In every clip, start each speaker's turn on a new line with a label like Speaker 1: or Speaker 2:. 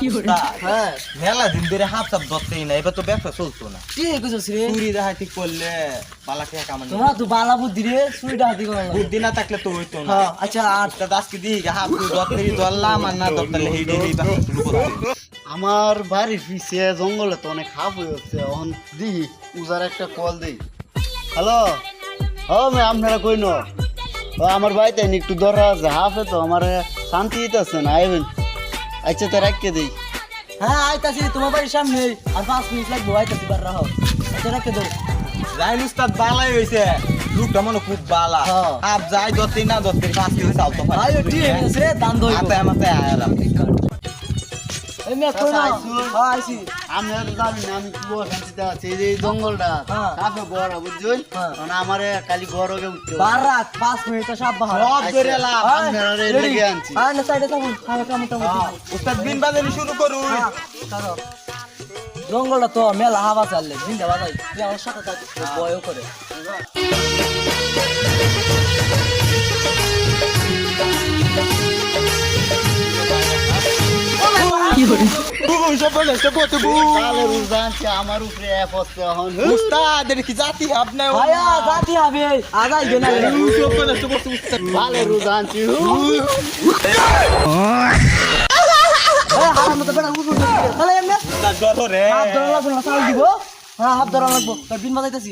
Speaker 1: হ্যাঁ
Speaker 2: মেলা দিন ধরে হাফ সাপ ধরতেই না, এবার তো ব্যবসা চলতো না।
Speaker 1: ঠিক কইছস রে
Speaker 2: চুরি ডাকাতি করলে বালাকে কামান
Speaker 1: তোমার তো বালা বুদ্ধি রে চুরি ডাকাতি করা লাগে
Speaker 2: বুদ্ধি না থাকলে তো হইতো না।
Speaker 1: হ্যাঁ আচ্ছা আর
Speaker 2: তা আজকে দিই হাফ ধরতেই ধরলাম আর না ধরতে হেইডেই ব্যবসা শুরু করতে।
Speaker 3: আমার বাড়ির পিছে জঙ্গলে তো অনেক হাফ হয়ে যাচ্ছে, এখন দিই উজার একটা কল দিই। হ্যালো, ও মে আপনারা কই ন? আমার বাড়িতে একটু দরকার আছে, হাফে তো আমার শান্তি দিতেছে না, আইবেন। আচ্ছা তো রাখতে দিই।
Speaker 1: হ্যাঁ আইতাছি তোমার বাড়ির সামনে আর 5 মিনিট লাগবে আইতাছি বার রাখো আচ্ছা রাখতে দাও
Speaker 2: রাইন উস্তাদ বালাই হইছে, লোকটা মনে খুব বালা।
Speaker 1: হ্যাঁ।
Speaker 2: হাফ যাই ধরতেই না ধরতেই 5 কেজি চাল তো পাই।
Speaker 1: আইও ঠিক আছে রে দান দইব
Speaker 2: মাথায় মাথায় আয়ালাম।
Speaker 1: এই মে কই না হ্যাঁ আইছি
Speaker 3: আমি আর জানি না আমি কি শান্তিতে আছি, এই যে এই জঙ্গলটা
Speaker 1: হ্যাঁ।
Speaker 3: কাফে বড় বুঝছেন,
Speaker 1: হ্যাঁ।
Speaker 3: মানে আমার খালি বড়কে উঠতে
Speaker 1: বার রাখ 5 মিনিট সব বাহার
Speaker 2: সব ধরে এলাম।
Speaker 3: আপনারা লেগে আনছি।
Speaker 1: আর না সাইডে থাকুন খাওয়া কামটা
Speaker 2: উস্তাদ বিন বাজানি শুরু করুন।
Speaker 1: জঙ্গলটা তো মেলা হাওয়া চাললে জিন্দা বাজাই তুই আমার সাথে থাক বয়ও করে
Speaker 3: কালের উজা আনছি, আমার উপরে অ্যাপ হচ্ছে এখন।
Speaker 2: উস্তাদ এর কি জাতি আপনি?
Speaker 1: আয়া জাতি হবে আগাই গেনা
Speaker 3: কালের উজা আনছি।
Speaker 1: হারাম তো বেটা উঠু তাহলে এমনি
Speaker 2: উস্তাদ ধরো রে।
Speaker 1: হাত ধরা লাগবে না চাল দিব হ্যাঁ হাত ধরা লাগবো তার বিন বাজাইতেছি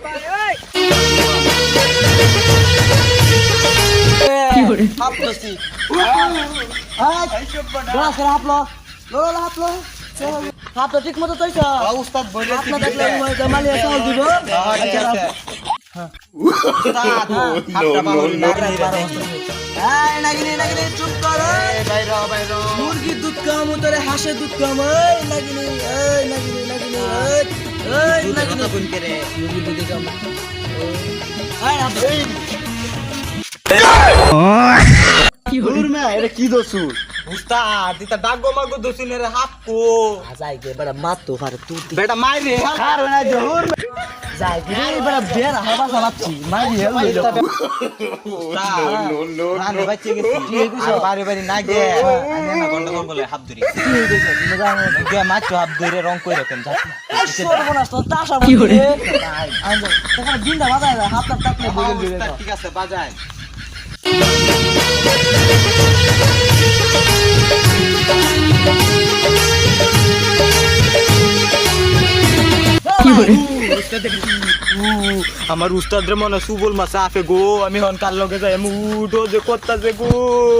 Speaker 1: হাত ধরছি গ্লাস করে হাত লো লোলা হাত লো হাত তো ঠিক মতো তৈছ
Speaker 2: উস্তাদ বলে
Speaker 1: হাত না দেখলে জামালি চাল দিব
Speaker 2: উস্তাদ হাতটা বাহুল
Speaker 1: এই নাগিনি নাগিনি চুপ কর মুরগির দুধ কাম তোরে হাঁসের দুধ কাম এই নাগিনি নাগিনি এই নাগিনি
Speaker 2: কোন করে
Speaker 1: মুরগির দুধ কাম এই হাত
Speaker 3: দূর মে এটা কি দোসু?
Speaker 2: উস্তাদ এটা ডাগো মাগো দছিনের হাত কো
Speaker 1: যাই গে বড় মাত তো ফারে তুই
Speaker 2: বেটা মাইরে
Speaker 3: আর না জহুর
Speaker 1: যাই গে বড় বের হাবা চালাচ্ছি মারি হেল
Speaker 2: নো বাচ্চা গেছি আর বাড়ি বাড়ি না গে আমি না গন্ডগোল বলে হাত ধরি গে মাছ হাত ধরে রং কই রাখেন যা
Speaker 1: সর্বনাশ তো তাসা কি করে আইলো তখন দিনটা বাজায় হাত টাকলে বলে দিলে
Speaker 2: ঠিক আছে বাজায় আমার উস্তাদ রে মনে সুবল মাছ আছে গো, আমি হন কাল লগে যাই মুডো যে করতাছে গো।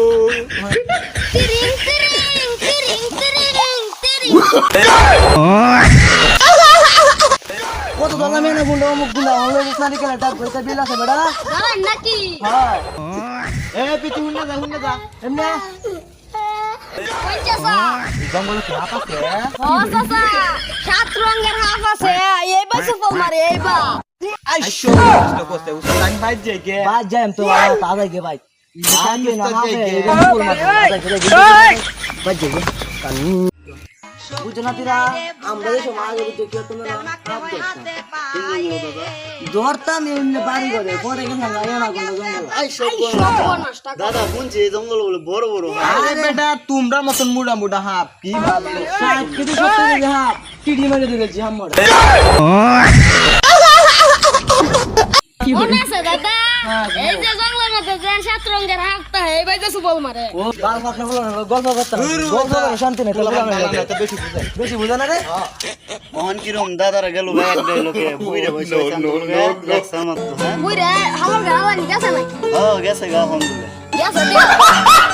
Speaker 1: কত দাদা মেনে বললো অমুক গুলা হলো ইসলামী খেলা ডাক কইতে বিল আছে বেটা
Speaker 4: দাঁড়ান নাকি
Speaker 1: হ্যাঁ
Speaker 2: এ পিছু হুন্না যা
Speaker 1: এমনি
Speaker 4: ওই চাচা
Speaker 2: জঙ্গলে কি হাত আছে?
Speaker 4: ও চাচা সাত রঙের হাফ আছে এইবার সুফল মারে এইবার
Speaker 2: আইশো কষ্ট করতে উস্তাদ আমি বাইর যাই গে।
Speaker 1: বাদ যাই তো তাজা গে ভাই
Speaker 2: আমি
Speaker 1: না
Speaker 2: উস্তাদ যাই গে।
Speaker 1: বাদ যাই বুঝো না তিরা আমরা যে সমাজ বুঝো কি তোমরা ধরতাম এমনি বাড়ি করে পরে গেছে না না কোন জঙ্গল
Speaker 3: আই সব দাদা শুনছি এই জঙ্গল বলে বড় বড় হয়।
Speaker 2: আরে বেটা তোমরা মতন মুডা মুডা হাফ কি ভাবলো?
Speaker 1: 60 কেজি 70 কেজি হাফ টিডি মেরে দিয়েছি আমরা
Speaker 4: মনে আছে দাদা এই যে জঙ্গলের মধ্যে যে সাত রঙের হাফটা এইবার যে সুফল মারে
Speaker 1: ও বাল ফাটনা বলো না গল্প করতাম গল্প করে শান্তি নেই
Speaker 2: তো বেশি বুঝাই।
Speaker 1: বেশি বুঝা না রে
Speaker 3: অহন কিরম দাদারা গেল ব্যাগ দেয় লোকে বুইরে বসে এক সামাত তো হ্যাঁ
Speaker 4: বুইরে হালার গালা নি গেছে নাকি
Speaker 3: ও গেছে গা ফোন দিলে
Speaker 4: গেছে